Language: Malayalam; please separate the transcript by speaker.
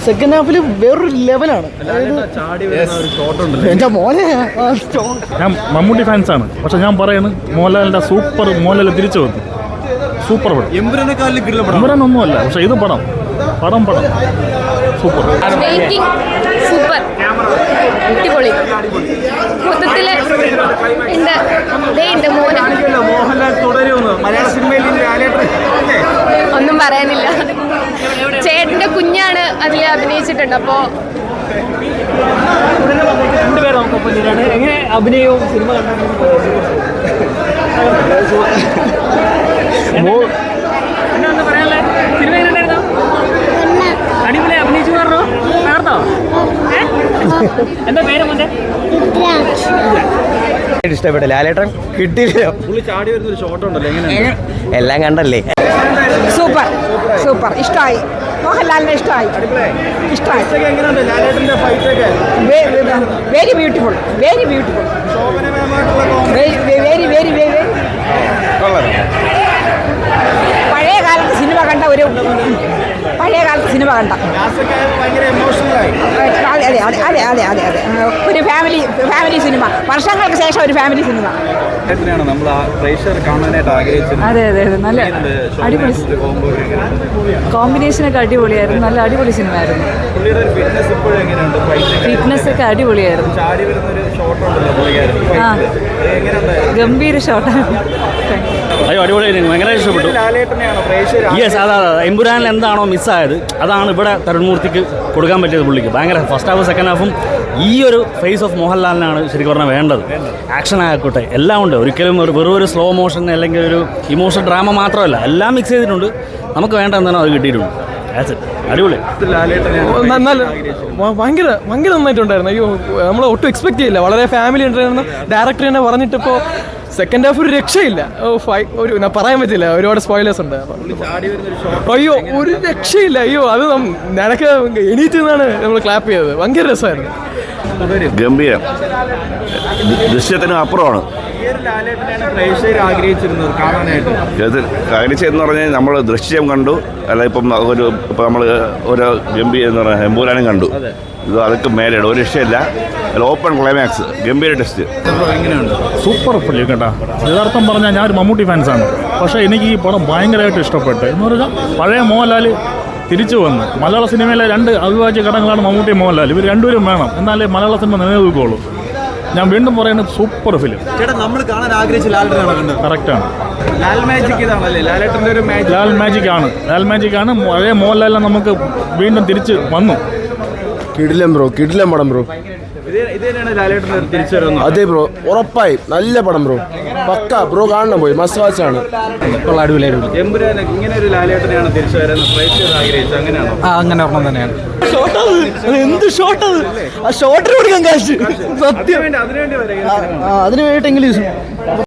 Speaker 1: സെക്കൻഡ് ഹാഫിൽ വേറൊരു ലെവലാണ്. എൻ്റെ മോനെ
Speaker 2: ഞാൻ മമ്മൂട്ടി ഫാൻസാണ്, പക്ഷെ ഞാൻ പറയുന്നത് മോഹൻലാലിൻ്റെ മോഹൻലാൽ തിരിച്ചു വന്നു. സൂപ്പർ പടം. എമ്പുരാനൊന്നുമല്ല, പക്ഷെ ഇത് പടം സൂപ്പർ.
Speaker 3: സൂപ്പർ അടിപൊളി. മൊത്തത്തില് ഒന്നും പറയാനില്ല. ചേട്ടന്റെ കുഞ്ഞാണ് അതിൽ അഭിനയിച്ചിട്ടുണ്ട്. അപ്പോ
Speaker 1: എങ്ങനെ അഭിനയവും സിനിമ
Speaker 4: അടിപൊളി അഭിനയിച്ചു പറഞ്ഞോ? കാണോ? എന്താ പേര് മോന്റെ?
Speaker 5: ഇഷ്ടപ്പെട്ട ലാലേട്ടൻ കിട്ടിയില്ല. എല്ലാം കണ്ടല്ലേ.
Speaker 6: Super super. ഇഷ്ടമായി. മോഹൻലാലിനെ ഇഷ്ടമായി. Very beautiful. Very beautiful. Very very very. പഴയ കാലത്ത് സിനിമ കണ്ട ഒരു അതെ ഒരു ഫാമിലി സിനിമ. വർഷങ്ങൾക്ക് ശേഷം ഒരു ഫാമിലി സിനിമ.
Speaker 7: അതെ നല്ല അടിപൊളി കോമ്പിനേഷനൊക്കെ അടിപൊളിയായിരുന്നു. നല്ല അടിപൊളി സിനിമ ആയിരുന്നു. ഫിറ്റ്നസ് ഒക്കെ അടിപൊളിയായിരുന്നു. ഗംഭീര ഷോട്ടാണ്.
Speaker 2: അയ്യോ അടിപൊളിയായിരുന്നു. ഭയങ്കര ഇഷ്ടപ്പെട്ടു. യെസ്, അതാ എമ്പുരാനിൽ എന്താണോ മിസ്സായത് അതാണ് ഇവിടെ തരുൺമൂർത്തിക്ക് കൊടുക്കാൻ പറ്റിയത്. പുള്ളിക്ക് ഭയങ്കര ഫസ്റ്റ് ഹാഫ് സെക്കൻഡ് ഹാഫും ഈ ഒരു ഫേസ് ഓഫ് മോഹൻലാലിനാണ് ശരിക്കും പറഞ്ഞാൽ വേണ്ടത്. ആക്ഷൻ ആയിക്കോട്ടെ എല്ലാം ഉണ്ട്. ഒരിക്കലും വെറും ഒരു സ്ലോ മോഷൻ അല്ലെങ്കിൽ ഒരു ഇമോഷൻ ഡ്രാമ മാത്രമല്ല, എല്ലാം മിക്സ് ചെയ്തിട്ടുണ്ട്. നമുക്ക് വേണ്ട എന്താണോ അത് കിട്ടിയിട്ടുണ്ട്. അടിപൊളി.
Speaker 1: ഭയങ്കര നന്നായിട്ടുണ്ടായിരുന്നു. അയ്യോ നമ്മൾ ഒട്ടും എക്സ്പെക്ട് ചെയ്യില്ല. വളരെ ഫാമിലി ഉണ്ടായിരുന്നു. ഡയറക്ടർ തന്നെ പറഞ്ഞിട്ടിപ്പോൾ സെക്കൻഡ് ഹാഫ് ഒരു രക്ഷയില്ല. ഞാൻ പറയാൻ പറ്റില്ല, ഒരുപാട് സ്പോയിലേഴ്സ് ഉണ്ട്. അയ്യോ ഒരു രക്ഷയില്ല. അയ്യോ അത് നിനക്ക് എണീറ്റ് നിന്നാണ് നമ്മൾ ക്ലാപ്പ് ചെയ്തത്. ഭയങ്കര രസമായിരുന്നു.
Speaker 8: ഗംഭീരം. ദൃശ്യത്തിനും അപ്പുറമാണ് ആഗ്രഹിച്ചതെന്ന് പറഞ്ഞാൽ നമ്മൾ ദൃശ്യം കണ്ടു, അല്ല ഇപ്പം നമ്മൾ ഒരു ഗംഭീരം എന്ന് പറഞ്ഞാൽ എമ്പുരാനും കണ്ടു. ഇത് അതൊക്കെ മേലെയാണ്, ഒരു രക്ഷയില്ല. അല്ല ഓപ്പൺ ക്ലൈമാക്സ്, ഗംഭീര ടെസ്റ്റ്.
Speaker 2: സൂപ്പർ ഫിലിം കേട്ടോ. യഥാർത്ഥം പറഞ്ഞാൽ ഞാൻ ഒരു മമ്മൂട്ടി ഫാൻസാണ്, പക്ഷേ എനിക്ക് ഈ പടം ഭയങ്കരമായിട്ട് ഇഷ്ടപ്പെട്ടു. എന്ന് പറഞ്ഞാൽ പഴയ മോഹൻലാൽ തിരിച്ചു വന്ന് മലയാള സിനിമയിലെ രണ്ട് അവിഭാജ്യ ഘടകങ്ങളാണ് മമ്മൂട്ടി മോഹൻലാൽ. ഇവർ രണ്ടുപേരും വേണം, എന്നാലേ മലയാള സിനിമ നിലനിൽക്കുകയുള്ളൂ. ഞാൻ വീണ്ടും പറയുന്നത് സൂപ്പർ ഫിലിം.
Speaker 5: നമ്മൾ കാണാൻ ആഗ്രഹിച്ച ലാലേട്ടനാണ്.
Speaker 2: കറക്റ്റാണ്.
Speaker 5: ലാൽ
Speaker 2: മാജിക് ആണ്. പഴയ മോഹൻലാലിനെ നമുക്ക് വീണ്ടും തിരിച്ച് വന്നു.
Speaker 9: കിടിലം പടം ബ്രോ. അതെ ബ്രോ, ഉറപ്പായി നല്ല പടം ബ്രോ. പക്ക ബ്രോ കാണണം, പോയി മസ്റ്റ് വാച്ച് ആണ്.
Speaker 5: അങ്ങനെ ഒരെണ്ണം തന്നെയാണ്.
Speaker 1: എന്ത് ഷോട്ടത്! ആ ഷോട്ടിന് കൊടുക്കാൻ കാശ് സത്യം. അതിന് വേണ്ടിയിട്ടെങ്കിലും